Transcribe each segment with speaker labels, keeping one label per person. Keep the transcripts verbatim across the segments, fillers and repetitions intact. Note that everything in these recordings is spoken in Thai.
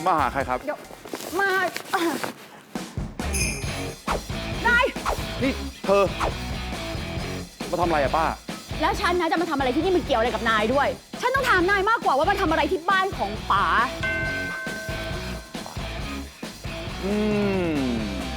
Speaker 1: มาหาใครครับ
Speaker 2: เดี๋ยวมาได้
Speaker 1: นี่เธอ มาทำอะไรอะป้า
Speaker 2: แล้วฉันนะจะมาทำอะไรที่นี่มันเกี่ยวอะไรกับนายด้วย ฉันต้องถามนายมากกว่าว่ามาทำอะไรที่บ้านของป๋า
Speaker 1: อืม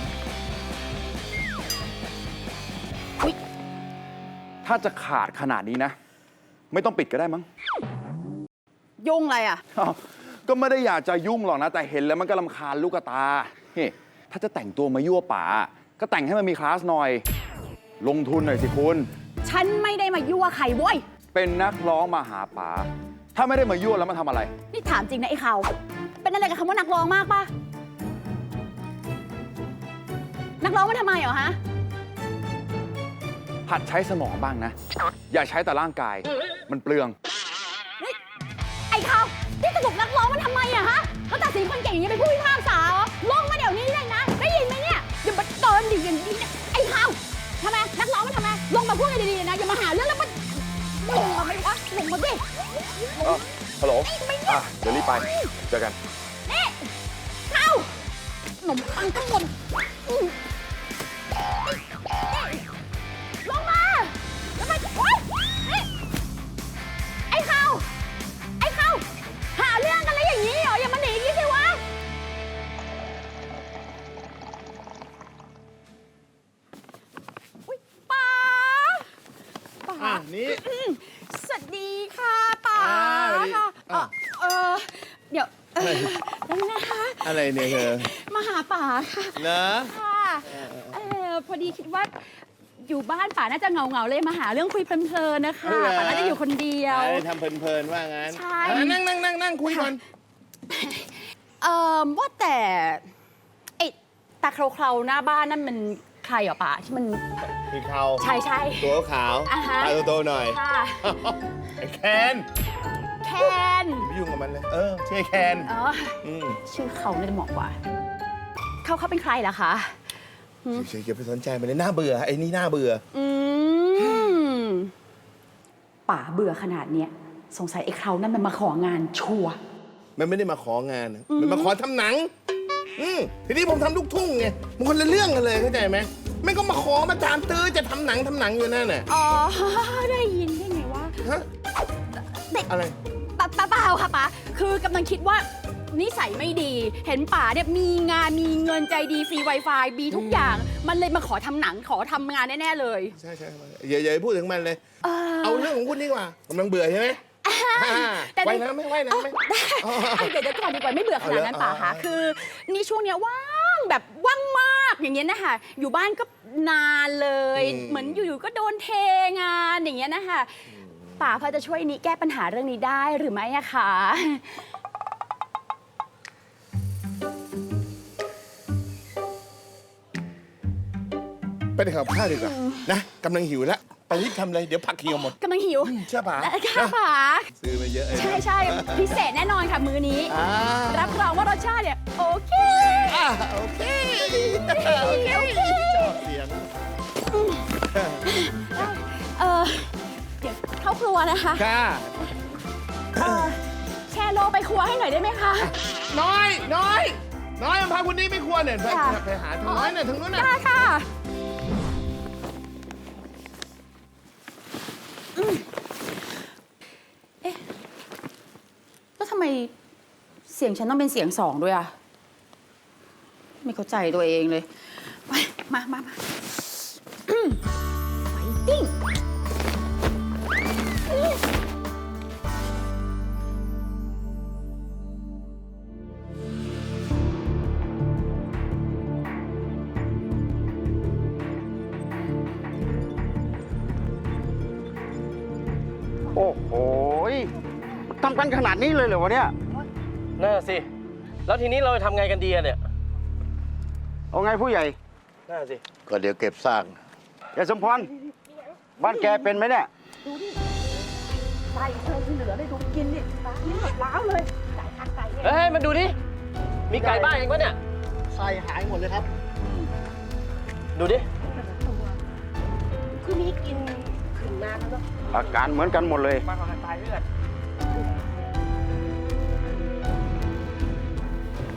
Speaker 2: อุ๊ย
Speaker 1: ถ้าจะขาดขนาดนี้นะ ไม่ต้องปิดก็ได้มั้ง
Speaker 2: ยุ่งอะไรอ่ะ
Speaker 1: อ้าวก็ไม่ได้อยากจะยุ่งหรอกนะ แต่เห็นแล้วมันก็รำคาญลูกตาเฮ้ถ้าจะแต่งตัวมายั่วป๋าก็แต่งให้มันมีคลาสหน่อย ลงทุนหน่อยสิคุณ
Speaker 2: ฉันไม่ได้มายั่วใครเว้ย
Speaker 1: เป็นนักร้องมาหาป๋าถ้าไม่ได้มายั่วแล้วมาทำอะไร
Speaker 2: นี่ถามจริงนะไอ้เขาเป็นอะไรกับคำว่านักร้องมากปะนักร้องมันทำไมเหรอฮะ
Speaker 1: หัดใช้สมองบ้างนะ อย่าใช้แต่ร่างกาย มันเปลือง
Speaker 2: นี่ไอ้เขาที่สนุกนักร้องมันทำไมอะฮะเขาตัดสินคนเก่งอย่างนี้เป็นผู้พิพากษาเหรอลงมาเดี๋ยวนี้เลยนะ ได้ยินไหมเนี่ยอย่ามาเกินดิอย่างนี้เนี่ยไอ้เขาทำไมนักร้องมันทำไมลงมาพูดกันดีๆนะอย่ามาหาเรื่องแล้วมันลงมาไหมวะลงมาดิ
Speaker 1: ฮัลโหล
Speaker 2: ไม่เนี่ย
Speaker 1: อ่ะเดี๋ยวรีบไป เจอกัน
Speaker 2: นี่เขาขนมปังทั้งหมดอืมนี่ลงมาแล้วมันโอ๊ยนี่ไอ้เขาไอ้เขาหาเรื่องกันแล้วอย่างนี้เหรออย่ามาหนีอย่างนี้สิวะอุ๊ยป๋าป๋า
Speaker 3: อ่ะนี่
Speaker 2: อืมสวัสดีค่ะป๋า
Speaker 3: อ่าสวัสดี
Speaker 2: ค่ะเอ
Speaker 3: อ่ะ
Speaker 2: อเออเดี๋ยวเออนั่นนะคะ
Speaker 3: อะไรเนี่ยเธอ
Speaker 2: มาหาป๋าค่ะ
Speaker 3: เหรอ
Speaker 2: ค่ะเออพอดีคิดว่าอยู่บ้านป๋าน่าจะเหงาเงาๆเลยมาหาเรื่องคุยเพลินๆนะคะป๋าน่าจะอยู่คนเดียว
Speaker 3: อะไรทำเพลินๆว่างั้น
Speaker 2: ใช่
Speaker 3: อ่ะนั่งนั่งนั่งนั่งคุยก่อน
Speaker 2: เอ่อว่าแต่ไอ้ตาเคราๆหน้าบ้านนั่นมันใครเหรอป๋าที่มัน
Speaker 3: มีเขา
Speaker 2: ใช่ใช่
Speaker 3: ตัวขาว
Speaker 2: อ่าฮะ
Speaker 3: ตาโตๆหน่อย
Speaker 2: ค่ะ
Speaker 3: ไอ้แคน
Speaker 2: แคน
Speaker 3: ไม่ยุ่งกับมันเลย เออชื่อแคน
Speaker 2: เออ
Speaker 3: อืม
Speaker 2: ชื่อเขาน่าจะเหมาะกว่าเขาเขาเป็นใครล่ะคะ
Speaker 3: เฉยๆอย่าไปสนใจมันเลยน่าเบื่อไอ้นี่น่าเบื่อ
Speaker 2: อืมป๋าเบื่อขนาดเนี้ยสงสัยไอ้เขานั่นมันมาของานชัวร์
Speaker 3: มันไม่ได้มาของานนะมันมาขอทำหนัง อืมทีนี้ผมทำลูกทุ่งไงมันคนละเรื่องกันเลยเข้าใจไหมไม่ก็มาขอมาตามตื้อจะทำหนังทำหนังอยู่นั่นน่ะ
Speaker 2: อ๋อ ได้ยินได้ไงวะ
Speaker 3: ฮะ
Speaker 2: เด็ก
Speaker 3: อะไร
Speaker 2: ป้าป้าเปล่าค่ะป้าคือกำลังคิดว่านิสัยไม่ดี เห็นป๋าเนี่ยมีงานมีเงินใจดีฟรี Wi-Fi มีทุกอย่าง มันเลยมาขอทำหนังขอทำงานแน่ ๆ เลย
Speaker 3: ใช่ใช่อย่าอย่าไปพูดถึงมันเลย
Speaker 2: เออ
Speaker 3: เอาเรื่องของคุณดีกว่ากำลังเบื่อใช่ไหม
Speaker 2: แต่
Speaker 3: ว่ายน้ำไหมว่ายน้ำไหม
Speaker 2: ได้เดี๋ยวเดี๋ยวก่อนดีกว่าไม่เบื่อขนาดนั้น
Speaker 3: เอาเหรอ
Speaker 2: ป๋าคะคือนี่ช่วงเนี้ยว่างแบบว่างมากอย่างเงี้ยนะคะอยู่บ้านก็นานเลย เหมือนอยู่ๆก็โดนเทงานอย่างเงี้ยนะคะป๋าพอจะช่วยนี้แก้ปัญหาเรื่องนี้ได้หรือไม่อะคะ
Speaker 3: ไปทำกับข้าวดีกว่านะกำลังหิวแล้วไปรีบทำเลยเดี๋ยวผักเหี่ยวหมด
Speaker 2: กำลังหิว
Speaker 3: เชื่อป่ะ
Speaker 2: ค่ะป๋า
Speaker 3: ซื้อมาเยอะเลย
Speaker 2: ใช่ใช่พิเศษแน่นอนค่ะมื้อนี้
Speaker 3: อ่า
Speaker 2: รับรองว่ารสชาติเนี่ยโอเค
Speaker 3: อ่าโอเคโอเค
Speaker 2: โอเค
Speaker 3: ชอบเสียง
Speaker 2: เออเดี๋ยวเข้าครัวนะคะ
Speaker 3: ค่ะ
Speaker 2: เออแชร์โลไปครัวให้หน่อยได้ไหมคะ
Speaker 3: น้อยน้อยน้อยมันพาคุณนี่ไม่ควรเนี่ยไป
Speaker 2: ค่ะ
Speaker 3: ไปหาทางน้อยน่ะทางนู้นน่ะ
Speaker 2: ได้ค่ะอืมเอ๊ะแล้วทำไมเสียงฉันต้องเป็นเสียงสองด้วยอะไม่เข้าใจตัวเองเลยไปมามามาอืมไฟติ้ง
Speaker 4: โอ้โหทำกันขนาดนี้เลยเหรอวะเนี่ย
Speaker 5: น่าสิ แล้วทีนี้เราจะทำไงกันดีอะเนี่ย
Speaker 4: เอาไงผู้ใหญ่
Speaker 5: น่าสิ
Speaker 3: ก็เดี๋ยวเก็บซาก
Speaker 4: ยายสมพร บ้านแกเป็นไหมเนี่ย
Speaker 2: ไก่เธอที่เหลือได้ดูกินนี่กินหมดล้าวเลยไก่ทางไก่เนี่ย
Speaker 5: เฮ้ย มันดูดิ มีไก่บ้านเองปะเนี่ย
Speaker 3: ใส่หายหมดเลยครับ
Speaker 5: ดูดิ
Speaker 2: คือนี้กินขึ้นมาแล้วเนาะ
Speaker 4: อาการเหมือนกันหมดเลย
Speaker 5: มาของตายเลือด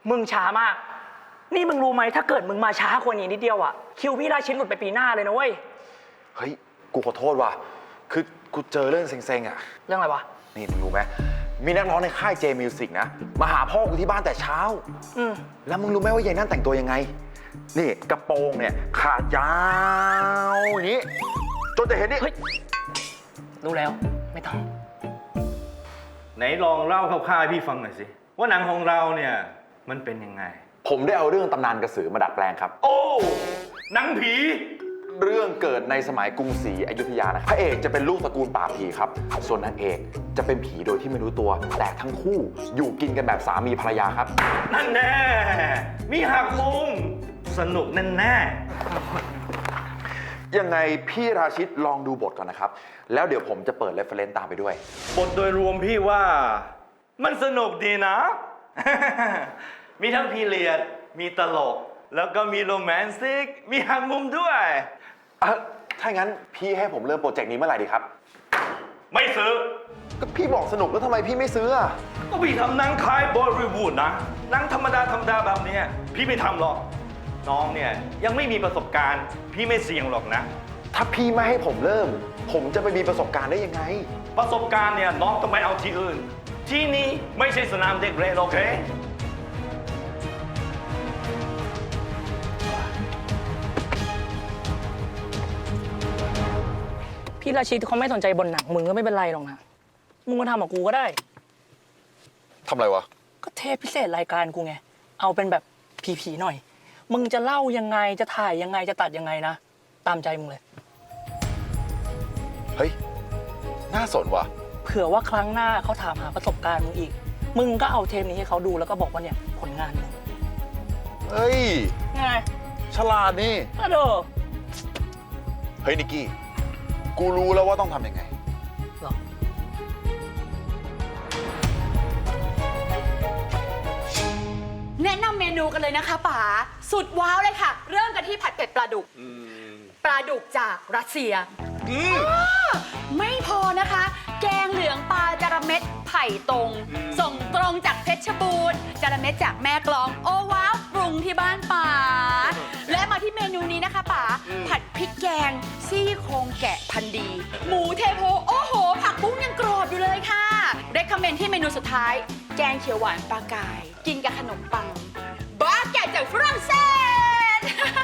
Speaker 6: มึงช้ามาก นี่มึงรู้ไหมถ้าเกิดมึงมาช้ากว่านี้นิดเดียวอะคิวพี่ราชินหลุดไปปีหน้าเลยนะเว้ย
Speaker 1: เฮ้ย กูขอโทษว่ะ คือกูเจอเรื่องเซ็งๆอ่ะ
Speaker 6: เรื่องอะไรวะ
Speaker 1: นี่มึงรู้ไหม มีนักร้องในค่าย J Music นะ มาหาพ่อกูที่บ้านแต่เช้า
Speaker 6: อืม
Speaker 1: แล้วมึงรู้ไหมว่ายายนั่นแต่งตัวยังไง นี่กระโปรงเนี่ยขาดยาวอย่างนี้ จนจะเห็นนี่
Speaker 6: เฮ้ย รู้แล้ว ไม่ต้อง
Speaker 7: ไหนลองเล่าคร่าวๆให้พี่ฟังหน่อยสิ ว่าหนังของเราเนี่ยมันเป็นยังไง
Speaker 1: ผมได้เอาเรื่องตำนานกระสือมาดัดแปลงครับ
Speaker 7: โอ้หนังผี
Speaker 1: เรื่องเกิดในสมัยกรุงศรีอยุธยานะครับพระเอกจะเป็นลูกตระกูลป่าบผีครับ ส่วนนางเอกจะเป็นผีโดยที่ไม่รู้ตัว แต่ทั้งคู่อยู่กินกันแบบสามีภรรยาครับ
Speaker 7: นั่นแน่ มีหักมุม สนุกแน่แน่
Speaker 1: ยังไงพี่ราชิตลองดูบทก่อนนะครับ แล้วเดี๋ยวผมจะเปิดเรฟเฟรนซ์ตามไปด้วย
Speaker 7: บทโดยรวมพี่ว่ามันสนุกดีนะ มีทั้งพีเรียด มีตลก แล้วก็มีโรแมนติก มีหักมุมด้วย
Speaker 1: เอ่อถ้างั้นพี่ให้ผมเริ่มโปรเจกต์นี้เมื่อไหร่ดีครับ
Speaker 7: ไม่ซื้อ
Speaker 1: ก็พี่บอกสนุกแล้วทำไมพี่ไม่ซื้ออะ
Speaker 7: ก็พี่ทำหนังคล้ายบอลิวูดนะหนังธรรมดาธรรมดาแบบเนี้ยพี่ไม่ทำหรอก น้องเนี่ยยังไม่มีประสบการณ์ พี่ไม่เสี่ยงหรอกนะ
Speaker 1: ถ้าพี่ไม่ให้ผมเริ่ม ผมจะไปมีประสบการณ์ได้ยังไง
Speaker 7: ประสบการณ์เนี่ยน้องต้องไปเอาที่อื่น ที่นี่ไม่ใช่สนามเด็กเล่นโอเค
Speaker 6: พี่ราชินเขาไม่สนใจบนหนังมึงก็ไม่เป็นไรหรอกนะ มึงมาทำกับกูก็ได้
Speaker 1: ทำอะไรวะ
Speaker 6: ก็เทปพิเศษรายการกูไง เอาเป็นแบบผีๆหน่อย มึงจะเล่ายังไง จะถ่ายยังไง จะตัดยังไงนะ ตามใจมึงเลย
Speaker 1: เฮ้ย น่าสนว่ะ
Speaker 6: เผื่อว่าครั้งหน้าเขาถามหาประสบการณ์มึงอีก มึงก็เอาเทปนี้ให้เขาดูแล้วก็บอกว่าเนี่ยผลงานมึง
Speaker 1: เฮ้ย
Speaker 6: ไง
Speaker 1: ฉลาดนี่
Speaker 6: อะเด้อ
Speaker 1: เฮ้ยนิกกี้ กูรู้แล้วว่าต้องทำยังไง
Speaker 6: หรอ
Speaker 2: แนะนำเมนูกันเลยนะคะป๋าสุดว้าวเลยค่ะ เริ่มกันที่ผัดเผ็ดปลาดุกปลาดุกจากรัสเซียอ้อไม่พอนะคะ แกงเหลืองปลาจาระเม็ดไผ่ตรง ส่งตรงจากเพชรบูรณ์จาระเม็ดจากแม่กลอง โอ้ว้าวปรุงที่บ้านป๋าและมาที่เมนูนี้นะคะป๋าผัดพริกแกงซี่โครงแกะพันธุ์ดี หมูเทโพโอ้โห ผักบุ้งยังกรอบอยู่เลยค่ะเรคคอมเมนต์ที่เมนูสุดท้าย แกงเขียวหวานปลากาย กินกับขนมปังบ้าแกะจากฝรั่งเศส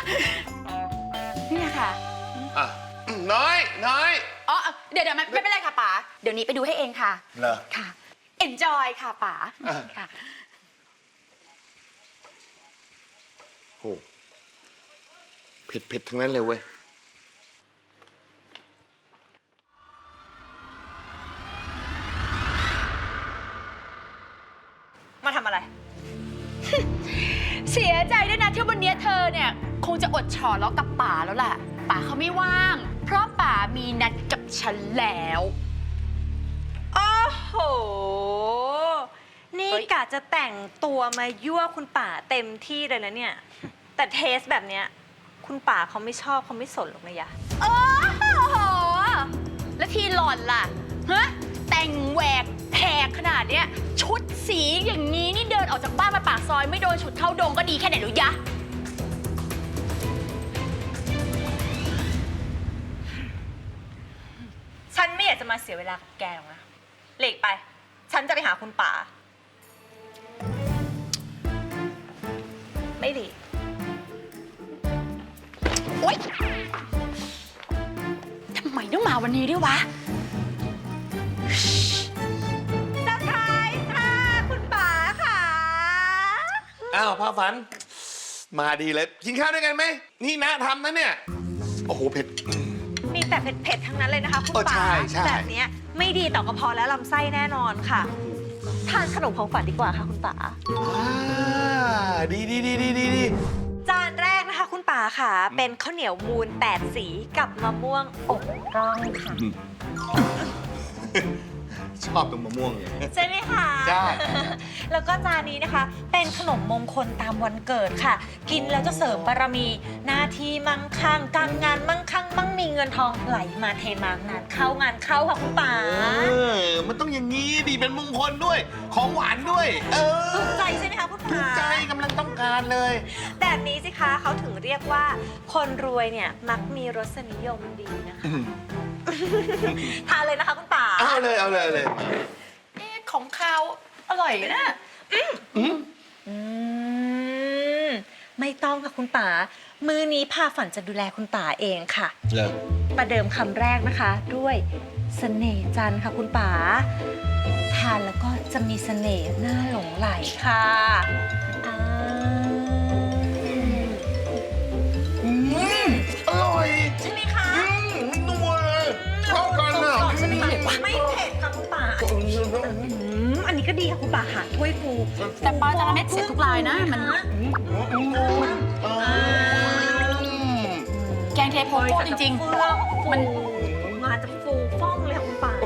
Speaker 2: นี่ค่ะ
Speaker 3: อ่ะน้อยน้อย
Speaker 2: อ๋อ เดี๋ยวเดี๋ยวไม่ไม่เป็นไรค่ะป๋า เดี๋ยวนี้ไปดูให้เองค่ะ
Speaker 3: เหรอ
Speaker 2: ค่ะ enjoy ค่ะป๋า
Speaker 3: อ่ะ
Speaker 2: ค่ะ
Speaker 3: โหเผ็ดเผ็ดทั้งนั้นเลยเว้ย
Speaker 2: มาทำอะไร เสียใจด้วยนะที่วันนี้เธอเนี่ย คงจะอดฉอล้อกับป๋าแล้วแหละป๋าเขาไม่ว่าง เพราะป๋ามีนัดกับฉันแล้ว
Speaker 8: โอ้โห นี่กะจะแต่งตัวมายั่วคุณป่าเต็มที่เลยนะเนี่ย แต่เทสแบบเนี้ยคุณป่าเขาไม่ชอบเขาไม่สนหรอกนะยะ
Speaker 2: โอ้โห แล้วที่หล่อนล่ะ ฮะ แต่งแหวกแหกขนาดเนี้ย ชุดสีอย่างนี้นี่เดินออกจากบ้านมาปากซอยไม่โดนฉุดเข้าดงก็ดีแค่ไหนหรือยะ
Speaker 8: ฉันไม่อยากจะมาเสียเวลากับแกหรอกนะหลีกไป ฉันจะไปหาคุณป่า ไม่หลีก
Speaker 2: โอ๊ย ทำไมต้องมาวันนี้ด้วยวะ
Speaker 8: เซอร์ไพรส์ค่ะ คุณป๋าค่ะ
Speaker 3: อ้าวพาฝัน มาดีเลย กินข้าวด้วยกันไหม นี่นะทำนะเนี่ย โอ้โห เผ็ด
Speaker 8: มีแต่เผ็ดๆทั้งนั้นเลยนะคะ คุณ
Speaker 3: เออ
Speaker 8: ป๋า
Speaker 3: ใช่ใช่
Speaker 8: แบบเนี้ยไม่ดีต่อกระเพาะและลำไส้แน่นอนค่ะ ทานขนมของฝันดีกว่าค่ะคุณป๋า
Speaker 3: อ่าดีดีดีดีดีดี
Speaker 8: จานแรกนะคะคุณป๋าค่ะ เป็นข้าวเหนียวมูนแปดสีกับมะม่วงอกร่องค่ะ
Speaker 3: ชอบตรงมะม่วงเนี่ย
Speaker 8: ใช่ไหมคะ
Speaker 3: ใช่
Speaker 8: แล้วก็จานนี้นะคะ เป็นขนมมงคลตามวันเกิดค่ะ กินแล้วจะเสริมบารมี หน้าที่มั่งคั่ง การงานมั่งคั่ง มั่งมีเงินทองไหลมาเทมางานเข้างานเข้าค่ะคุณป๋า
Speaker 3: เออ มันต้องอย่างนี้ดีเป็นมงคลด้วย ของหวานด้วย เออ
Speaker 8: ถูกใจใช่ไหมคะคุณ
Speaker 3: ถู
Speaker 8: ป๋า
Speaker 3: กใจกำลังต้องการเลย
Speaker 8: แบบนี้สิคะเขาถึงเรียกว่า คนรวยเนี่ยมักมีรสนิยมดีนะคะ ทานเลยนะคะคุณป๋า
Speaker 3: เอาเลย เอาเลย เอาเลย
Speaker 6: ของข้าวอร่อยนะ
Speaker 8: อืมไม่ต้องค่ะคุณป๋า มื้อนี้พาฝันจะดูแลคุณป๋าเองค่ะ
Speaker 3: เลย
Speaker 8: ประเดิมคำแรกนะคะ ด้วยเสน่ห์จันทร์ค่ะคุณป๋า ทานแล้วก็จะมีเสน่ห์น่าหลงไหลค่ะอ่า
Speaker 3: อืมอร่อย
Speaker 8: ใช่ไหมคะ
Speaker 3: อืมนัวเลยเข้ากันอ่ะ
Speaker 8: ใช่ไหมคะไม่เผ็ดค่ะคุณป๋าอืมอันนี้ก็ดีค่ะคุณป๋าหาถ้วยฟู
Speaker 2: แต่ป้าจะทำให้เสียทุกรายนะมัน แกงเทโพโก้จริง
Speaker 8: เฟื่อง
Speaker 2: ๆ
Speaker 8: มั
Speaker 2: มัน น
Speaker 8: มาจะฟูฟ่องเลยค่ะคุณป๋า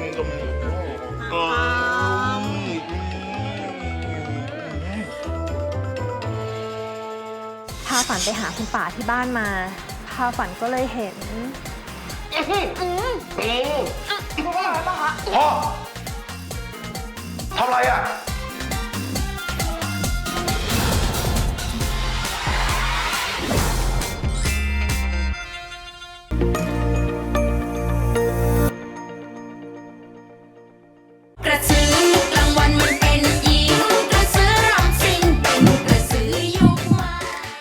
Speaker 8: พาฝันไปหาคุณป๋าที่บ้านมา พาฝันก็เลยเห็น
Speaker 1: พ่อทำอะไรอ่ะ